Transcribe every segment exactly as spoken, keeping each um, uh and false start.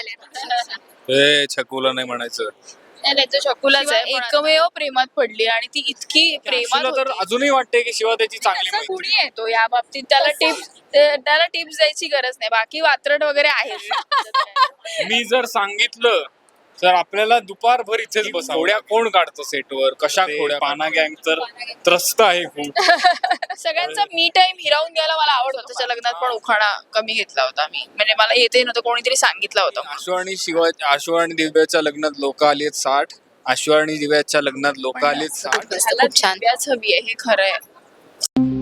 झाल्या. हे छकुला नाही म्हणायचं. नाही नाही तो शकूलाच आहे शिवा एकमेव प्रेमात पडली आणि ती इतकी प्रेमात आशूला तर होती. अजूनही वाटते की शिवा त्याची चांगली असा मैत्रीण. गुणी आहे तो या बाबतीत त्याला टिप्स त्याला टिप्स द्यायची गरज नाही बाकी वात्रट वगैरे आहे. मी जर सांगितलं तर आपल्याला दुपारभर इथेच बसा. खोड्या कोण काढतं सेटवर, कशा खोड्या. पाना गँग तर त्रस्त आहे खूप. सगळ्यांचा मी टाइम हिरावून घ्यायला मला आवडतो. त्याच्या लग्नात पण उखाणा कमी घेतला होता मी म्हणजे मला येते नव्हतं कोणीतरी सांगितलं होतं. आशू आणि शिवा आशू आणि दिव्याच्या लग्नात लोक आली आहेत साठ. आशू आणि दिव्याच्या लग्नात लोक आली आहेत साठ. त्याला खूप छान. दिव्याच हवी आहे हे खरं आहे.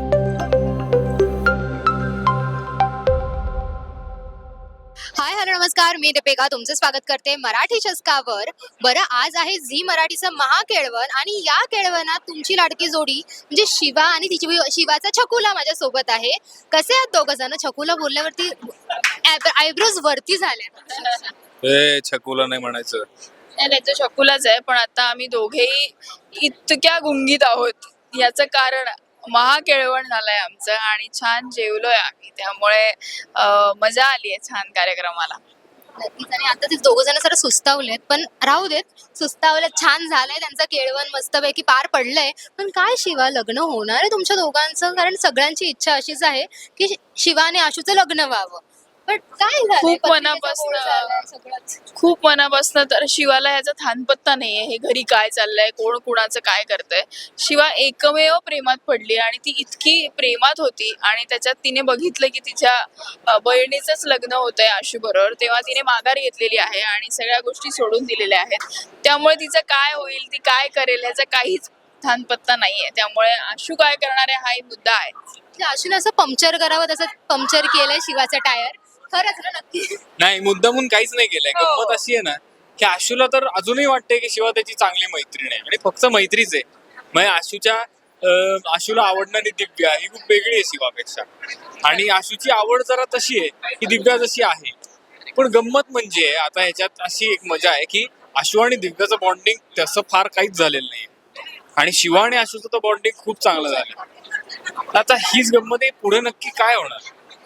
हाय हॅलो नमस्कार, मी दीपिका तुमचं स्वागत करते मराठी चस्कावर. बरं, आज आहे झी मराठीचं महाकेळवण आणि या केळवणात तुमची लाडकी जोडी म्हणजे शिवा आणि तिची शिवाचा छकुला माझ्या सोबत आहे. कसे आहेत दोघं जण? छकुला बोलल्यावरती आयब्रोज वरती झाल्या. हे छकुला नाही म्हणायचं. नाही नाही तो शकूलाच आहे पण आता आम्ही दोघेही इतक्या गुंगीत आहोत याचं कारण महाकेळवण झालंय आमचं आणि छान जेवलोय आम्ही त्यामुळे अं, मजा आली आहे छान कार्यक्रमाला. नक्कीच. आणि आता ते दोघं जण जरा सुस्तावलेत, पण राहू देत. सुस्तावलेत, छान झालंय त्यांचं केळवण, मस्तपैकी पार पडलंय. पण काय शिवा, लग्न होणार आहे तुमच्या दोघांचं? कारण सगळ्यांची इच्छा अशीच आहे की शिवा आणि आशूचं लग्न व्हावं. पण काय झालंय? खूप पत्रिकेचा मनापासनं- बोल झालाय, सगळंच. खूप मनापासून तर शिवाला ह्याचा थानपत्ता नाहीये हे घरी काय चाललंय कोण कुणाचं काय करतंय. शिवा एकमेव प्रेमात पडली आणि ती इतकी प्रेमात होती आणि त्याच्यात तिने बघितलं की तिच्या अ, बहिणीचंच लग्न होतंय आशू बरोबर तेव्हा तिने माघार घेतलेली आहे आणि सगळ्या गोष्टी सोडून दिलेल्या आहेत. त्यामुळे तिचं काय होईल ती काय करेल ह्याचा काहीच थानपत्ता नाहीये. त्यामुळे आशू काय करणार आहे हाही मुद्दा आहे. म्हणजे आशूने असं पंक्चर करावं तसं पंक्चर केलंय शिवाचं टायर. खरंच ना? नक्की. नाही, मुद्दामून काहीच नाही केलंय. हो. गंमत अशी आहे ना की आशूला तर अजूनही वाटते की शिवा त्याची चांगली मैत्रीण आहे आणि फक्त मैत्रीच आहे. म्हणजे आशूच्या अं, आशूला आवडणारी दिव्या ही खूप वेगळी आहे शिवापेक्षा आणि आशूची आवड जरा तशी आहे की दिव्या जशी आहे. पण गंमत म्हणजे आता ह्याच्यात अशी एक मजा आहे की आशू आणि दिव्याचं बॉन्डिंग तसं फार काहीच झालेलं नाही आणि शिवा आणि आशूचं तर बॉन्डिंग खूप चांगलं झालं. आता हीच गंमत आहे, पुढे नक्की काय होणार.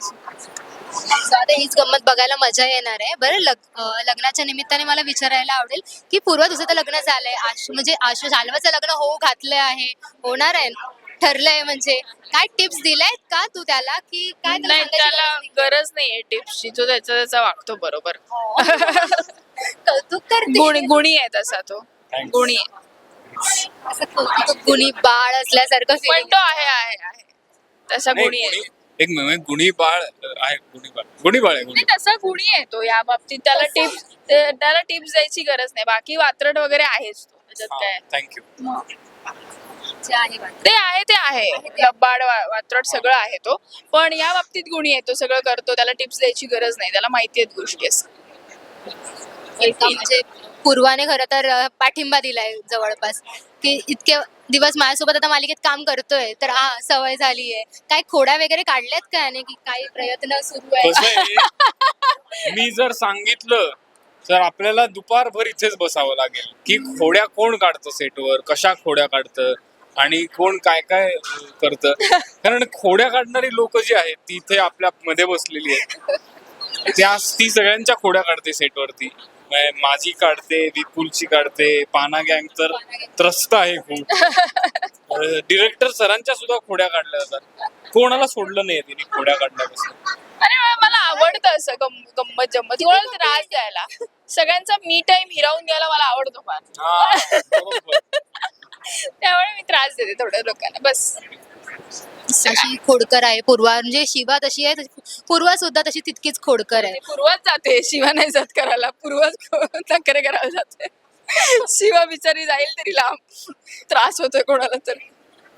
So आता हीच गंमत बघायला मजा येणार आहे. बरं, लग अं, लग्नाच्या निमित्ताने मला विचारायला आवडेल की पूर्व तुझं तर लग्न झालंय, आशू म्हणजे आशू शाल्वाचं लग्न होऊ घातलं आहे, होणार आहे, ठरलंय. म्हणजे काय टिप्स दिल्यात का तू त्याला की काय त्याला नाही सांगायची त्याला गरज नाही? गरज नाहीये टिप्सची तो त्याचा त्याचा वागतो बरोबर. कौतुक करते. गुणी गुणी आहे तसा तो Thanks. गुणी आहे. असं कौतुक गुणी बाळ असल्यासारखं पण feeling. तो आहे आहे आहे तसा नाही, गुणी आहे. गुणी- एक मिनिट, गुणी बाळ आहे. गुणी बाळ गुणी बाळ आहे गुणी. नाही तसा गुणी आहे तो या बाबतीत त्याला टिप्स त्याला टिप्स द्यायची गरज नाही बाकी वात्रट वगैरे आहेच तो त्याच्यात काय. थँक्यू. जे आहे बाळ. ते आहे ते आहे लबाड वा- वात्रट सगळं आहे तो पण या बाबतीत गुणी आहे तो सगळं करतो त्याला टिप्स द्यायची गरज नाही त्याला माहिती आहेत गोष्टी असं. एका म्हणजे पूर्वाने खरं तर अं, पाठिंबा दिलाय जवळपास की इतके दिवस माझ्यासोबत आता मालिकेत काम करतोय तर हा सवय झाली आहे. काय खोड्या वगैरे काढल्यात का आणि की काही प्रयत्न सुरू आहे? कसं आहे, मी जर सांगितलं तर आपल्याला दुपारभर इथेच बसावं लागेल की खोड्या कोण काढतं सेटवर, कशा खोड्या काढतं आणि कोण काय काय अं, करतं. कारण खोड्या काढणारी लोक जी आहेत ती इथे आपल्या मध्ये बसलेली आहेत. त्या ती सगळ्यांच्या खोड्या काढते सेटवरती. म्हणजे माझी काढते, विपुलची काढते, पाना गँग तर त्रस्त आहे खूप. डिरेक्टर सरांच्या सुद्धा खोड्या काढल्या जातात. कोणाला सोडलं नाही तिने खोड्या काढण्यापासून. अरे वा, मला आवडतं असं गम- गंमत जम्मत कोणाला त्रास द्यायला सगळ्यांचा मी टाइम हिरावून घ्यायला मला आवडतो फार. हा, बरोबर. त्यामुळे मी त्रास देते थोड्या लोकांना बस. अशी खोडकर आहे पूर्वा, म्हणजे शिवा तशी आहे तशी पूर्वा सुद्धा तशी तितकीच खोडकर आहे. पूर्वाच जाते शिवा नाही जात करायला पूर्वाच नखरे करायला जाते. शिवा बिचारी जाईल तरी लांब त्रास होतोय कोणाला तरी.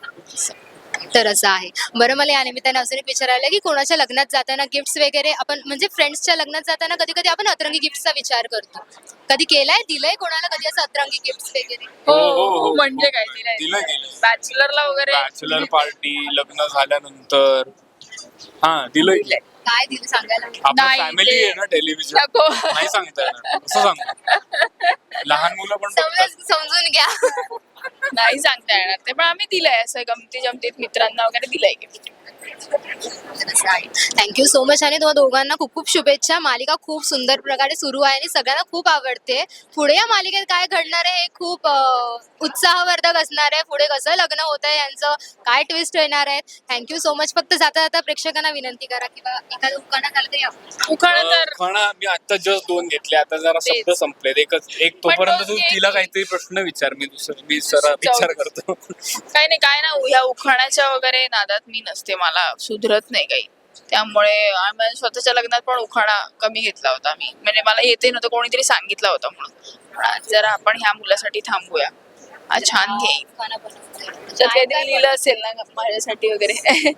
तर असं आहे. बरं, मला या निमित्ताने असं एक विचारायला की कोणाच्या लग्नात जाताना गिफ्ट्स वगैरे आपण म्हणजे फ्रेंड्सच्या लग्नात जाताना कधी कधी आपण अतरंगी गिफ्टचा विचार करतो. कधी केलाय, दिलंय कोणाला कधी असं अतरंगी गिफ्ट वगैरे? हो हो, हो, हो हो. म्हणजे काय दिलंय, दिलंय दिलंय. बॅचलरला वगैरे बॅचलर पार्टी, लग्न झाल्यानंतर हा दिलंय की. काय दिलं सांगायला? आपलं नाही, फॅमिली ते- आहे ना टेलिव्हिजन, नको. नाही सांगता येणार. कसं सांगू, लहान मुलं पण बघतात. समज समजून घ्या. नाही सांगता येणार ते पण आम्ही दिलंय असं गमती जमतीत मित्रांना वगैरे दिलंय गिफ्ट. थँक्यू सो मच आणि तुम्हा दोघांना खूप खूप शुभेच्छा. मालिका खूप सुंदर प्रकारे सुरू आहे आणि सगळ्यांना खूप आवडते. पुढे या मालिकेत काय घडणार आहे हे खूप अं, उत्साहवर्धक असणार आहे. पुढे कसं लग्न होत आहे यांचं काय ट्विस्ट येणार आहे. Thank you so much. फक्त जाता जाता प्रेक्षकांना विनंती करा किंवा एखादं उखाणा झालं तरी आपण उखाणा तर खाणा मी आता जस्ट दोन घेतले, आता जरा तेच. शब्द संपलेत. एकच एक तोपर्यंत दोन तू घे तिला की. काहीतरी प्रश्न विचार, मी दुसरं मी जरा विचार करतो. काही नाही काय ना ह्या उखाण्याच्या वगैरे नादात मी नसते, मला सुधरत नाही काही. त्यामुळे आम्ही स्वतःच्या लग्नात पण उखाणा कमी घेतला होता मी, म्हणजे मला येते नव्हतं, कोणीतरी सांगितलं होतं म्हणून. पण आज जरा आपण ह्या मुलासाठी थांबूया. हा छान घेईन. उखाणा बनवतोय. त्याच्यात काहीतरी लिहिलं असेल ना माझ्यासाठी वगैरे.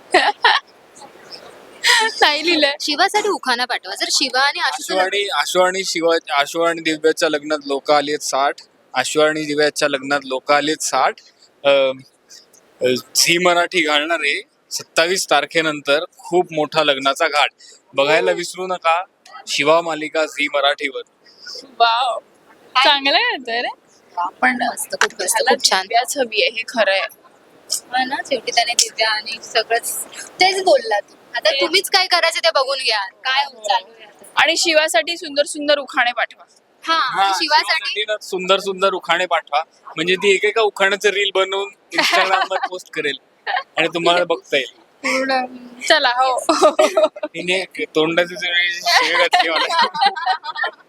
नाही लिहिलंय. शिवासाठी उखाणा पाठवा. जर शिवा आणि आशूचं आशु आणि आशु आणि शिवा आशु आणि दिव्याच्या लग्नात लोक आलीत साठ. आशु आणि दिव्याच्या लग्नात लोक आलीत साठ. अं, अं, झी मराठी घालणारे सत्तावीस तारखेनंतर खूप मोठा लग्नाचा घाट बघायला विसरू नका. शिवा मालिका झी मराठीवर. वाव, चांगलं आहे तर. पण मस्त, खूप मस्त, त्याला खूप छान. दिव्याच हवी आहे, हे खरं आहे. हा ना, शेवटी त्याने दिव्या आणि सगळंच तेच बोलला तू. आता तेच. तुम्हीच काय करायचं ते बघून घ्या. काय चालू आहे आता. आणि शिवासाठी सुंदर सुंदर उखाणे पाठवा. हा हा, आणि शिवासाठी शिवासाठी ना सुंदर सुंदर उखाणे पाठवा, म्हणजे ती एकेका उखाण्याचं रील बनवून इंस्टाग्राम वर पोस्ट करेल आणि तुम्हाला बघता येईल. पूर्ण चला हो. तिने तोंडाचे शिवे घातले मला.